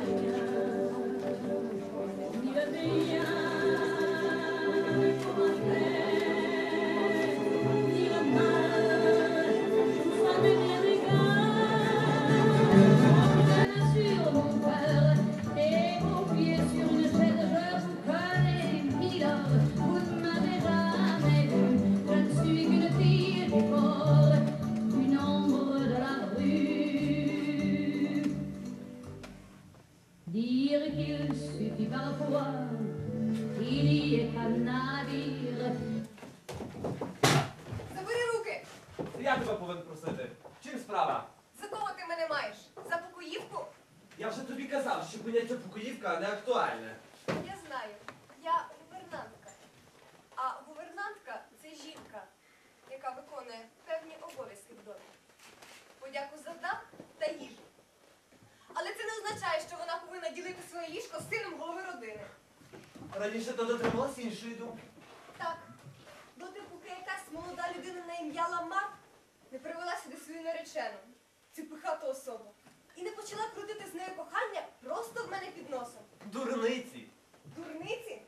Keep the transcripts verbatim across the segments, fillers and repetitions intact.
Забери руки! Я тебе повинен просити. Чим справа? За кого ти мене маєш? За покоївку? Я вже тобі казав, що поняття покоївка не актуальне. Я знаю. Я гувернантка. А гувернантка – це жінка, яка виконує певні обов'язки в домі. Подяку за дах та їжу. Але це не означає, що вона повинна ділити своє ліжко з сином голови родини. Раніше ти дотрималась іншої думки. Так, доти, поки якась молода людина на ім'я Ламар не привела сюди свою наречену, цю пихату особу, і не почала крутити з нею кохання просто в мене під носом. Дурниці. Дурниці?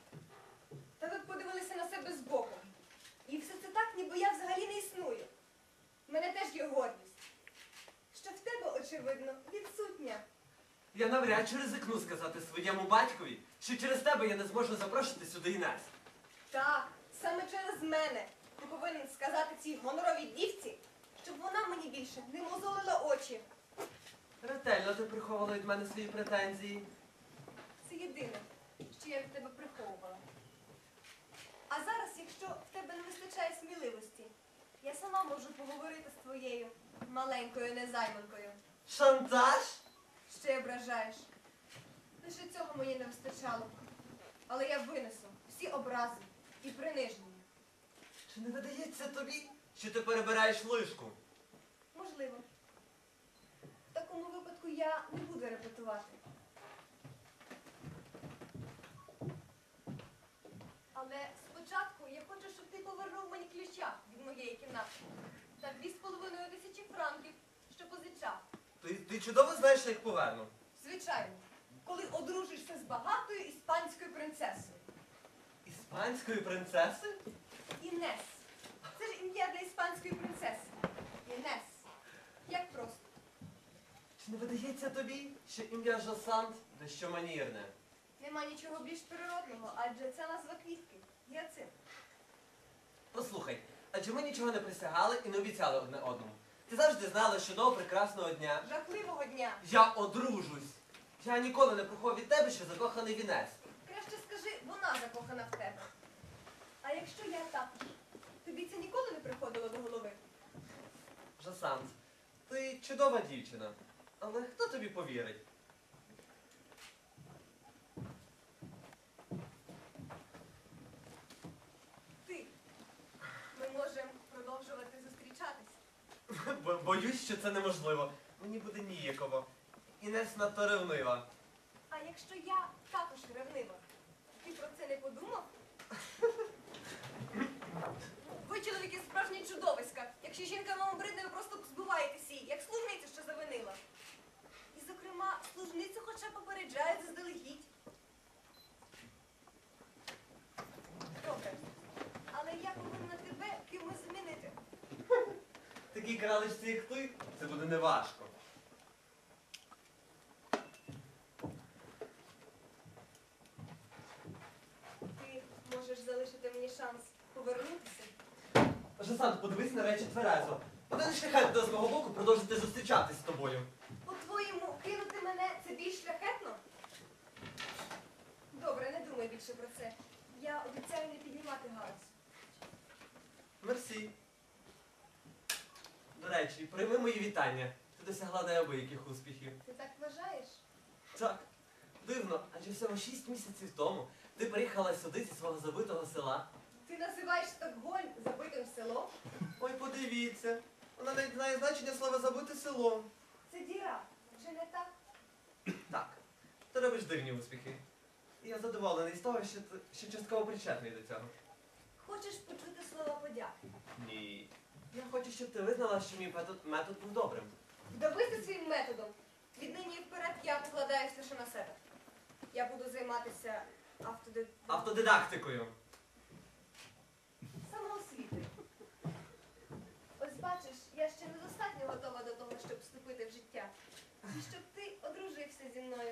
Та ви б подивилися на себе збоку. І все це так, ніби я взагалі не існую. В мене теж є гордість. Що в тебе, очевидно, відсутня. Я навряд чи ризикну сказати своєму батькові, що через тебе я не зможу запрошувати сюди Інес. Так, саме через мене ти повинен сказати цій гоноровій дівці, щоб вона мені більше не мозолила очі. Ретельно ти приховувала від мене свої претензії. Це єдине, що я від тебе приховувала. А зараз, якщо в тебе не вистачає сміливості, я сама можу поговорити з твоєю маленькою незайманкою. Шантаж? Ще ображаєш. Лише цього мені не вистачало. Але я винесу всі образи і приниження. Чи не видається тобі, що ти перебираєш лишку? Можливо. В такому випадку я не буду репетувати. Але спочатку я хочу, щоб ти повернув мені ключа від моєї кімнати. Та дві з половиною тисячі франків, що позичав. Ти, ти чудово знаєш, що їх поверну. Звичайно, коли одружишся з багатою іспанською принцесою. Іспанської принцеси? Інес. Це ж ім'я для іспанської принцеси. Інес. Як просто. Чи не видається тобі, що ім'я Жосант дещо манірне? Нема нічого більш природного, адже це назва квітки. Гіацинт. Послухай, адже ми нічого не присягали і не обіцяли одне одному. Ти завжди знала, що до прекрасного дня Жахливого дня. я одружусь. Я ніколи не приховую від тебе, що закоханий в Інес. Краще скажи, вона закохана в тебе. А якщо я також, тобі це ніколи не приходило до голови? Жосант, ти чудова дівчина. Але хто тобі повірить? Ти. Ми можемо продовжувати зустрічатись. Бо- Боюсь, що це неможливо. Мені буде ніяково. Інес надто ревнива. А якщо я також ревнива, ти про це не подумав? Ви, чоловіки, справжні чудовиська. Якщо жінка вам обридне, ви просто збиваєтеся її, як служницю, що завинила. І, зокрема, служницю хоча попереджають заздалегідь. Добре. Але я повинна тебе кимось змінити. Такій кралечці, як ти, це буде неважко. Ти можеш залишити мені шанс повернутися. Жосант, подивись на речі тверезо. Один шляхет до з мого боку продовжити зустрічатись з тобою. По-твоєму, кинути мене це більш шляхетно? Добре, не думай більше про це. Я обіцяю не піднімати галас. Мерсі. До речі, прийми мої вітання. Ти досягла неабияких успіхів. Ти так вважаєш? Так. Дивно, адже всього шість місяців тому ти приїхала сюди зі свого забитого села. Ти називаєш Стокгольм забитим селом? Ой, подивіться. Вона навіть знає значення слова забите село. Це діра. Чи не так? Так. Ти робиш дивні успіхи. І я задоволений з того, що ти що частково причетний до цього. Хочеш почути слова подяки? Ні. Я хочу, щоб ти визнала, що мій метод, метод був добрим. Вдавися своїм методом. Віднині і вперед я покладаюсь лише займатися автоди... Автодидактикою. самоосвітою. Ось бачиш, я ще недостатньо готова до того, щоб вступити в життя. І щоб ти одружився зі мною.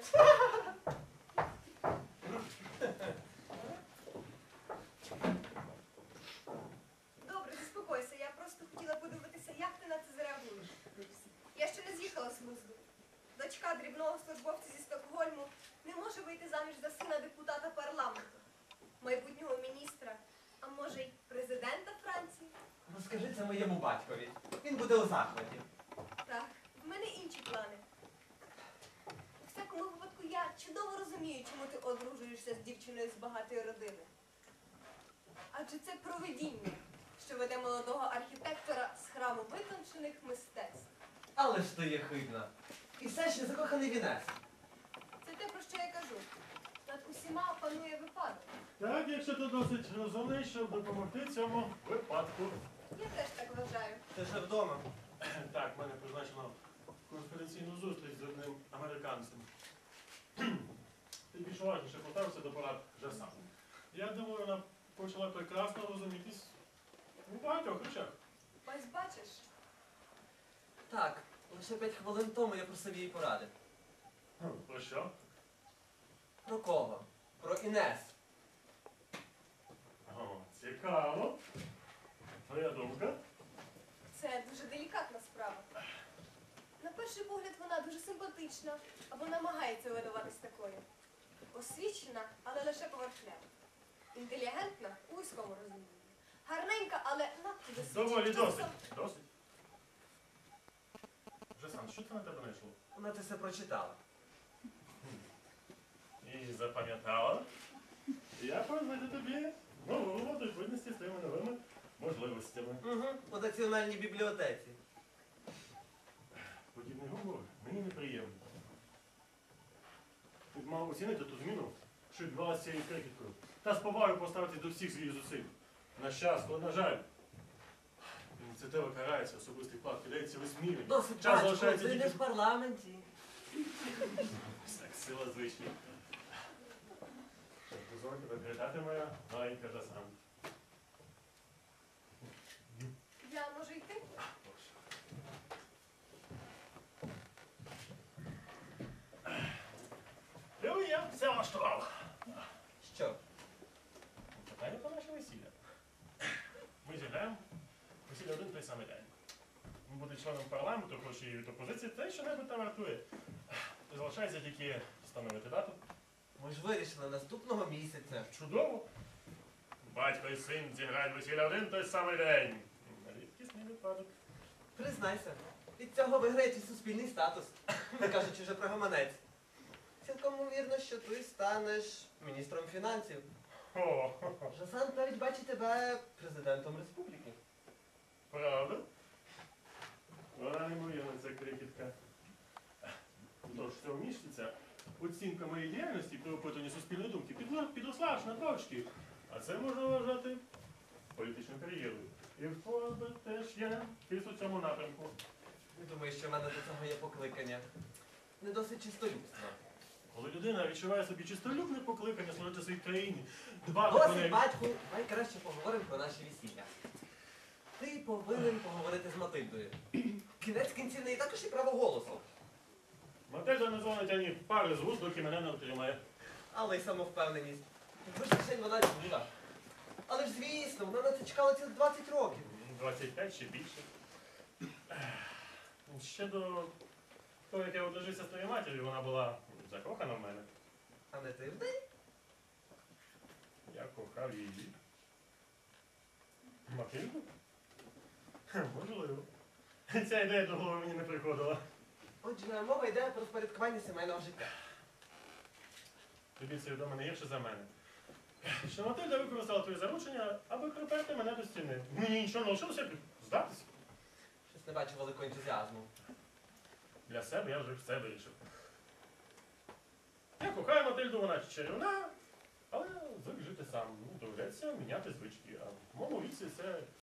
Добре, заспокойся. Я просто хотіла подивитися, як ти на це зреагуєш. Я ще не з'їхала з глузду. Дочка дрібного службовця зі Стокгольму не може вийти заміж за сина депутата парламенту, майбутнього міністра, а може й президента Франції. Розкажи це моєму батькові. Він буде у захваті. Так, в мене інші плани. У всякому випадку я чудово розумію, чому ти одружуєшся з дівчиною з багатої родини. Адже це провидіння, що веде молодого архітектора з храму витончених мистецтв. Але ж ти є хибна. І все ще закоханий вінець. Це те, про що я кажу. Над усіма панує випадок. Так, якщо ти досить розумний, щоб допомогти цьому випадку. Я теж так вважаю. Ти вже вдома. Так, в мене призначено конференційну зустріч з одним американцем. Ти більш уважніше поставився до порад вже сам. Я думаю, вона почала прекрасно розумітись у багатьох речах. Ось бачиш, Так, лише п'ять хвилин тому я просив її поради. Хм, Про що? Про кого? Про Інес. О, цікаво. Твоя думка? це дуже делікатна справа. На перший погляд вона дуже симпатична, або намагається видаватись такою. Освічена, але лише поверхнево. Інтелігентна у вузькому розумінні. Гарненька, але надто досвідчена. Доволі Часом- досить. Досить. Вже сам, що це на тебе знайшло? Вона це все прочитала. І запам'ятала. Я познати тобі нову роботу відповідності з твоїми новими можливостями. Угу, у національній бібліотеці. Подібний гумор мені неприємно. Ти б мав оцінити ту зміну, що відбувалася з цією крикіткою. Та з повагою поставитись до всіх своїх зусиль. На щастя, на жаль. Ініціатива карається, особистий вклад кидається висміювання. Досить, Час батько, залишається ти не тільки... в парламенті. Так, сила звичні. Що, дозволь тебе привітати, моя маленька Жасан. Я можу йти? Ну, я все влаштував. Що? Питання про наше весілля. Ми зіграємо весілля один той самий день. Він буде членом парламенту, хоч і від опозиції, те, що небудь там вартує. Залишається тільки встановити дату. Ми ж вирішили наступного місяця. Чудово. Батько і син зіграють весілля один той самий день. Рідкісний випадок. Признайся, від цього виграє твій суспільний статус, не кажучи вже про гаманець. Цілком ймовірно, що ти станеш міністром фінансів. О, Жасан навіть бачить тебе президентом республіки. правда? Вона неймовірна, ця крикітка. Тож цього місяця оцінка моєї діяльності при опитуванні суспільної думки підла- підросла аж на точки. А це можна вважати політичною кар'єрою. І в тебе теж є кіс у цьому напрямку. Не думаю, що в мене до цього є покликання. Не досить чистолюбство. Коли людина відчуває собі чистолюбне покликання служити своїй країні, дбати про Досить, неї. батьку, давай краще поговоримо про наші весілля. Ти повинен поговорити з Матильдою. Кінець кінців в неї також і право голосу. Матежа не дзвонить ані пари з вуст, доки мене не отримає. Але й самовпевненість. Вишень вона чула. Але ж звісно, вона на це чекала цілих двадцять років. двадцять п'ять чи більше. Ще до того, як я одружився з твоєю матір'ю, вона була закохана в мене. А не ти в неї? Я кохав її. Матильду? Хе, Можливо. Ця ідея до голови мені не приходила. Отже, мова йде про впорядкування сімейного життя. Тобі це відомо не гірше за мене. Що Матильда використала твоє заручення, аби приперти мене до стіни. Мені нічого не лишилося, як здатися. Щось не бачу великого ентузіазму. Для себе я вже все вирішив. Я кохаю Матильду, вона чарівна, але звик жити сам. Ну, доведеться міняти звички. А в моєму віці це